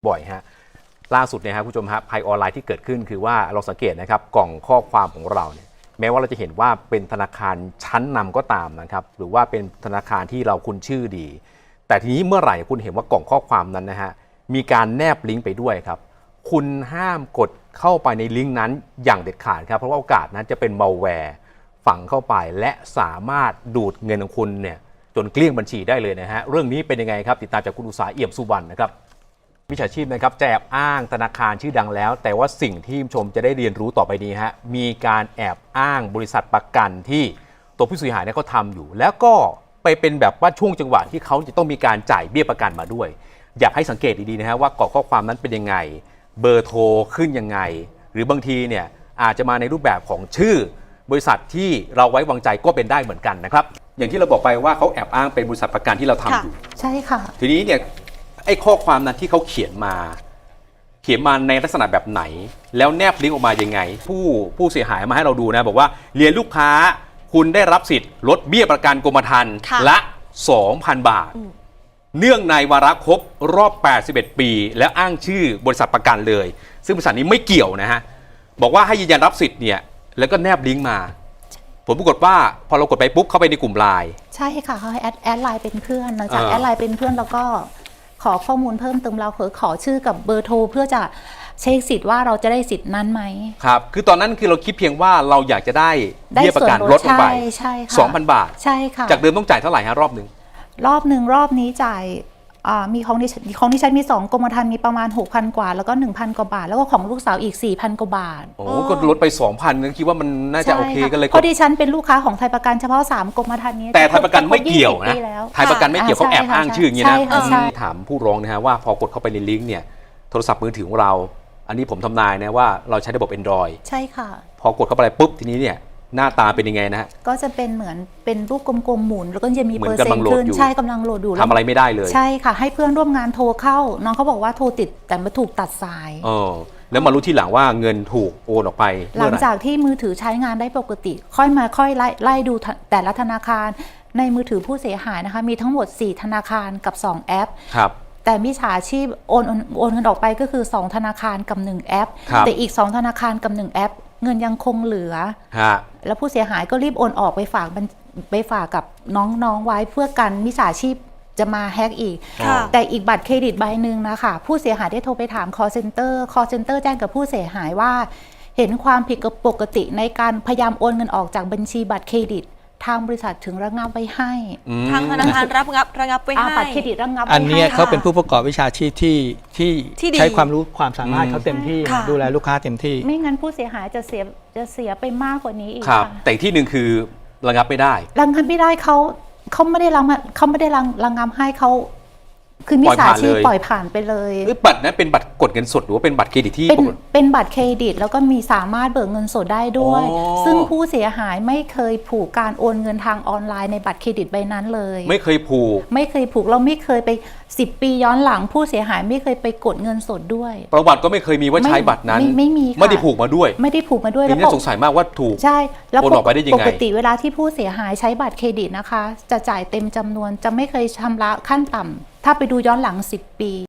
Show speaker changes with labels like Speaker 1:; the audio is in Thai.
Speaker 1: บ่อยฮะล่าสุดเนี่ยครับคุณผู้ชมครับภัยออนไลน์ที่เกิดขึ้นคือว่าเราสังเกตนะครับกล่องข้อความของเราเนี่ยแม้ว่าเราจะเห็นว่าเป็นธนาคารชั้นนำก็ตามนะครับหรือว่าเป็นธนาคารที่เราคุ้นชื่อดีแต่ทีนี้เมื่อไหร่คุณเห็นว่ากล่องข้อความนั้นนะฮะมีการแนบลิงก์ไปด้วยครับคุณห้ามกดเข้าไปในลิงก์นั้นอย่างเด็ดขาดครับเพราะว่าโอกาสนั้นจะเป็นมัลแวร์ฝังเข้าไปและสามารถดูดเงินของคุณเนี่ยจนเกลี้ยงบัญชีได้เลยนะฮะเรื่องนี้เป็นยังไงครับติดตามจากคุณอุตสาหเอี่ยมสุวรรณนะครับมิจฉาชีพนะครับจะแอบอ้างธนาคารชื่อดังแล้วแต่ว่าสิ่งที่ชมจะได้เรียนรู้ต่อไปนี้ฮะมีการแอบอ้างบริษัทประกันที่ตัวผู้เสียหายเนี่ยเขาทำอยู่แล้วก็ไปเป็นแบบว่าช่วงจังหวะที่เขาจะต้องมีการจ่ายเบี้ยประกันมาด้วยอยากให้สังเกตดีๆนะฮะว่ากรอกข้อความนั้นเป็นยังไงเบอร์โทรขึ้นยังไงหรือบางทีเนี่ยอาจจะมาในรูปแบบของชื่อบริษัทที่เราไว้วางใจก็เป็นได้เหมือนกันนะครับอย่างที่เราบอกไปว่าเขาแอบอ้างเป็นบริษัทประกันที่เราทำอยู่
Speaker 2: ใช่ค่ะ
Speaker 1: ทีนี้เนี่ยไอ้ข้อความนั้นที่เขาเขียนมาในลักษณะแบบไหนแล้วแนบลิงก์ออกมายังไงผู้เสียหายมาให้เราดูนะบอกว่าเรียนลูกค้าคุณได้รับสิทธิ์ลดเบี้ยประกันกรมธรรม์ละ 2,000 บาทเนื่องในวาระครบรอบ 81 ปีแล้วอ้างชื่อบริษัทประกันเลยซึ่งบริษัทนี้ไม่เกี่ยวนะฮะบอกว่าให้ยืนยันรับสิทธิ์เนี่ยแล้วก็แนบลิงก์มาผลปรากฏว่าพอเรากดไปปุ๊บเข้าไปในกลุ่มไลน์
Speaker 2: ใช่ค่ะเขาให้แอดไลน์เป็นเพื่อนหลังจากแอดไลน์เป็นเพื่อนแล้วก็ขอข้อมูลเพิ่มเติมเราขอชื่อกับเบอร์โทรเพื่อจะเช็คสิทธิ์ว่าเราจะได้สิทธิ์นั้นไหม
Speaker 1: ครับคือตอนนั้นคือเราคิดเพียงว่าเราอยากจะได้เบี้ยประกันลดลงไป 2,000 บาท
Speaker 2: ใช่ค่ะ
Speaker 1: จากเดิมต้องจ่ายเท่าไหร่ฮะรอบหนึ่ง
Speaker 2: รอบนี้จ่ายมีของดิฉันมี2กรมธรรม์มีประมาณ 6,000 กว่าแล้วก็ 1,000 กว่าบาทแล้วก็ของลูกสาวอีก 4,000 กว่าบาท
Speaker 1: โอ้ก็ลดไป 2,000นึงคิดว่ามันน่าจะโอเคกันเลย
Speaker 2: เพราะดิฉันเป็นลูกค้าของไทยประกันเฉพาะ3กรมธรรม์นี้
Speaker 1: แต่ไทยประกันไม่เกี่ยวนะไทยประกันไม่เกี่ยวเขาแอบอ้างชื่ออย่างนี้นะถามผู้ร้องนะฮะว่าพอกดเข้าไปในลิงก์เนี่ยโทรศัพท์มือถือของเราอันนี้ผมทำนายนะว่าเราใช้ระบบ Android
Speaker 2: ใช่ค่ะ
Speaker 1: พอกดเข้าไปปุ๊บทีนี้เนี่ยหน้าตาเป็นยังไงนะฮะ
Speaker 2: ก็จะเป็นเหมือนเป็นรูปกลมๆหมุนแล้วก็จะมีเปอร์เซ็นต์ขึ้นใช่กำลังโหลดอยู่
Speaker 1: ทำอะไรไม่ได้เลย
Speaker 2: ใช่ค่ะให้เพื่อนร่วมงานโทรเข้าน้องเขาบอกว่าโทรติดแต่มาถูกตัดสาย
Speaker 1: แล้วมารู้ทีหลังว่าเงินถูกโอนออกไป
Speaker 2: หลังจากที่มือถือใช้งานได้ปกติค่อยไล่ดูแต่ละธนาคารในมือถือผู้เสียหายนะคะมีทั้งหมด4ธนาคารกับ2แอป
Speaker 1: ครับ
Speaker 2: แต่มิจฉาชีพโอนเงินออกไปก็คือ2ธนาคารกับ1แอปแต่อีก2ธนาคารกับ1แอปเงินยังคงเหลือแล้วผู้เสียหายก็รีบโอนออกไปฝากกับน้องๆไว้เพื่อกันมิจฉาชีพจะมาแฮกอีกแต่อีกบัตรเครดิตใบหนึ่งนะคะผู้เสียหายได้โทรไปถาม call center แจ้งกับผู้เสียหายว่าเห็นความผิดปกติในการพยายามโอนเงินออกจากบัญชีบัตรเครดิตทางบริษัทถึงระงับไว้ให้
Speaker 3: ทางธนาคารระงับไว้ให้
Speaker 2: บัตรเครดิตระงับไว้ให้
Speaker 4: อันนี้เขาเป็นผู้ประกอบวิชาชีพที่ใช้ความรู้ความสามารถเขาเต็มที่ดูแลลูกค้าเต็มที่
Speaker 2: ไม่งั้นผู้เสียหายจะเสียไปมากกว่านี้อีก
Speaker 1: ครับแต่ที่หนึ่งคือระงับไม่ได้
Speaker 2: เขาไม่ได้ระงับให้เขาคือมิจฉาชีพปล่อยผ่านไปเลย
Speaker 1: บัตรนั้นเป็นบัตรกดเงินสดหรือว่าเป็นบัตรเครดิตที่
Speaker 2: เป็นบัตรเครดิตแล้วก็มีสามารถเบิกเงินสดได้ด้วยซึ่งผู้เสียหายไม่เคยผูกการโอนเงินทางออนไลน์ในบัตรเครดิตใบนั้นเลย
Speaker 1: ไม่เคยผูก
Speaker 2: เราไม่เคยไป10 ปีย้อนหลังผู้เสียหายไม่เคยไปกดเงินสดด้วย
Speaker 1: ประวัติก็ไม่เคยมีว่าใช้บัตรนั้น
Speaker 2: ไม่มี
Speaker 1: ไม่ได้ผูกมาด้วย
Speaker 2: แล้ว
Speaker 1: น่าสงสัยมากว่าถูก
Speaker 2: ใช่แล้ว
Speaker 1: โอนออกไปได้ยังไง
Speaker 2: ปกติเวลาที่ผู้เสียหายใช้บัตรเครดิตนะคะจะจ่ายเต็มจำนวนจะไม่เคยชำระขั้นต่ำถ้าไปดูย้อนหลัง10 ปี